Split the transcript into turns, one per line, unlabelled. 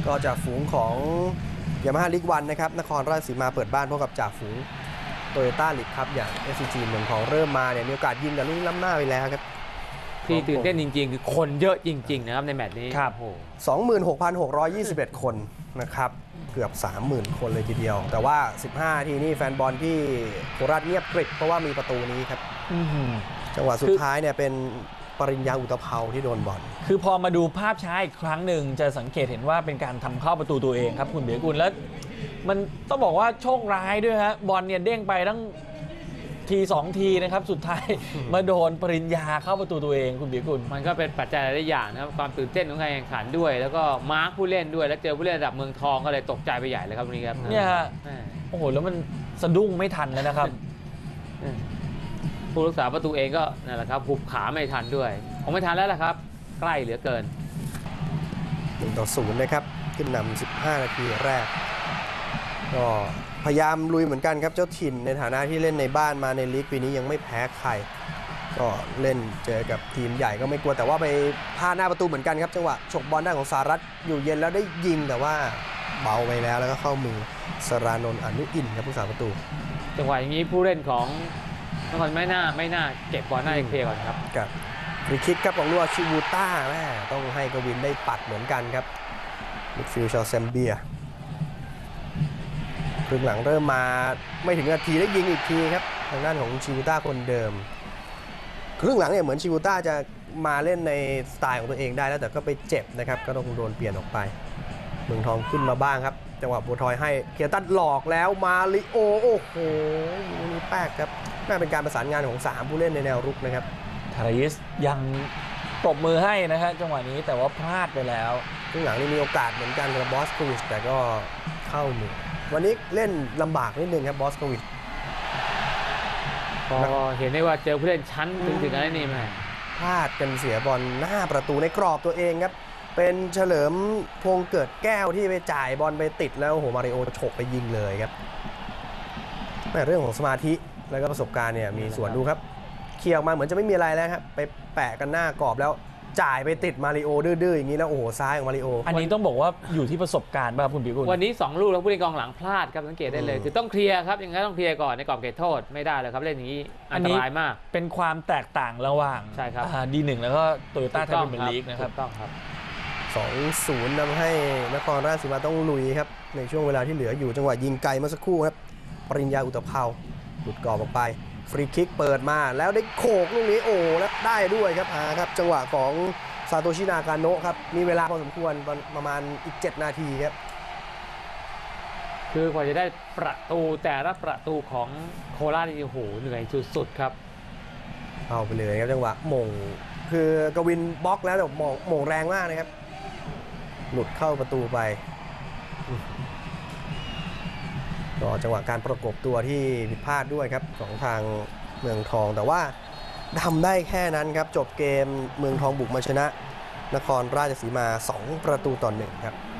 ก็จากฝูงของยามาฮ่าลีกวันนะครับนครราชสีมาเปิดบ้านพบกับจ่าฝูงโตโยต้าลีกครับอย่าง SCG เมืองทองเริ่มมาเนี่ยมีโอกาสยิงแต่ลูกนี้ล้ำหน้าไปแล้วครับ
ที่ตื่นเต้นจริงๆคือคนเยอะจริงๆนะครับในแมตช์นี้
ครับ
26,621 คนนะครับเกือบ 30,000 คนเลยทีเดียวแต่ว่า15ทีนี่แฟนบอลที่โคราชเงียบกริบเพราะว่ามีประตูนี้ครับจังหวะสุดท้ายเนี่ยเป็นปริญญาอุตภเปาที่โดนบอล
คือพอมาดูภาพช้าอีกครั้งหนึ่งจะสังเกตเห็นว่าเป็นการทำเข้าประตูตัวเองครับคุณเบียร์กุลแล้วมันต้องบอกว่าโชคร้ายด้วยฮะบอลเนี่ยเด้งไปตั้งที2ทีนะครับสุดท้ายมาโดนปริญญาเข้าประตูตัวเองคุณเบียร์กุล
มันก็เป็นปัจจัยหลายอย่างนะครับความตื่นเต้นของการแข่งขันด้วยแล้วก็มาร์คผู้เล่นด้วยแล้วเจอผู้เล่นระดับเมืองทองก็เลยตกใจไปใหญ่เลยครับวันนี้ครับ
เนี่ยฮะโอ้โหแล้วมันสะดุ้งไม่ทันแล้วนะครับ
ผู้รักษาประตูเองก็นั่นแหละครับหุบขาไม่ทันด้วยคงไม่ทันแล้วล่ะครับใกล้เหลือเกิน
1-0นะครับขึ้นนำ15 นาทีแรกก็พยายามลุยเหมือนกันครับเจ้าถิ่นในฐานะที่เล่นในบ้านมาในลีกปีนี้ยังไม่แพ้ใครก็เล่นเจอกับทีมใหญ่ก็ไม่กลัวแต่ว่าไปพลาดหน้าประตูเหมือนกันครับจังหวะฉกบอลได้ของสหรัฐอยู่เย็นแล้วได้ยิงแต่ว่าเบาไปแล้วก็เข้ามือสรานนท์อนุอินทร์ครับผู้สาประตู
จังหวะอย่างนี้ผู้เล่นของนครไม่น่าเก็บบอลหน้าเคลียร์ก่อนครับ
ฟรีคิกครับของลัวชิบูต้าแม่ต้องให้กวินได้ปัดเหมือนกันครับมิดฟิลด์ชาวแซมเบียครึ่งหลังเริ่มมาไม่ถึงนาทีได้ยิงอีกทีครับทางด้านของชิบูต้าคนเดิมครึ่งหลังเนี่ยเหมือนชิบูต้าจะมาเล่นในสไตล์ของตัวเองได้แล้วแต่ก็ไปเจ็บนะครับก็ต้องโดนเปลี่ยนออกไปเมืองทองขึ้นมาบ้างครับจังหวะบัวทอยให้เคียร์ตันหลอกแล้วมาลิโอโอ้โหนี่แป๊กครับน่าเป็นการประสานงานของ3ผู้เล่นในแนวรุกนะครับ
ทาริสยังปรบมือให้นะฮะจังหวะนี้แต่ว่าพลาดไปแล้ว
ครึ่งหลังนี่มีโอกาสเหมือนกันกับบอสโควิชแต่ก็เข้ามือวันนี้เล่นลำบากนิดนึงครับบอสโควิช
พอเห็นได้ว่าเจอผู้เล่นชั้นถึงอะไรนี่ไหม
พลาดกันเสียบอลหน้าประตูในกรอบตัวเองครับเป็นเฉลิมพงษ์เกิดแก้วที่ไปจ่ายบอลไปติดแล้วโหมาริโอฉกไปยิงเลยครับแต่เรื่องของสมาธิแล้วก็ประสบการณ์เนี่ยมีส่วนดูครับเคลียร์ออกมาเหมือนจะไม่มีอะไรแล้วครับไปแปะกันหน้ากรอบแล้วจ่ายไปติดมาริโอดื้อๆอย่างนี้แล้วโอ้โหซ้ายของมาริโอ
อันนี้ต้องบอกว่าอยู่ที่ประสบการณ์ป่ะครับคุณบิ๊ก
วันนี้2 ลูกแล้วผู้เล่นกองหลังพลาดครับสังเกตได้เลยคือต้องเคลียร์ครับอย่างนั้นต้องเคลียร์ก่อนในกรอบเขตโทษไม่ได้เลยครับเล่นอย่างนี้อันตรายมาก
เป็นความแตกต่างระหว่าง
ใช่ครับ
D1แล้วก็โตโยต้าไทยพรีเมียร์ลีกนะครับ
ต้องครับ
2-0 ทำให้นครราชสีมาต้องลุยครับในช่วงเวลาที่เหลืออยู่จังหวะยิงไกลเมื่อสักครู่ครับปริญญาอุตภเปาหลุดกรอบออกไปฟรีคิกเปิดมาแล้วได้โขกลูกนี้โอ้แล้วได้ด้วยครับครับจังหวะของซาโตชินากาโนะครับมีเวลาพอสมควรประมาณอีก7 นาทีครับ
คือกว่าจะได้ประตูแต่ละประตูของโคราชนี่โอ้โหเหนื่อยสุดๆครับ
เอาไปเลยครับจังหวะมงคือกวินบล็อกแล้วแต่มงแรงมากนะครับหลุดเข้าประตูไปก็จังหวะการประกบตัวที่ผิดพลาดด้วยครับของทางเมืองทองแต่ว่าทำได้แค่นั้นครับจบเกมเมืองทองบุกมาชนะนครราชสีมา2-1ครับ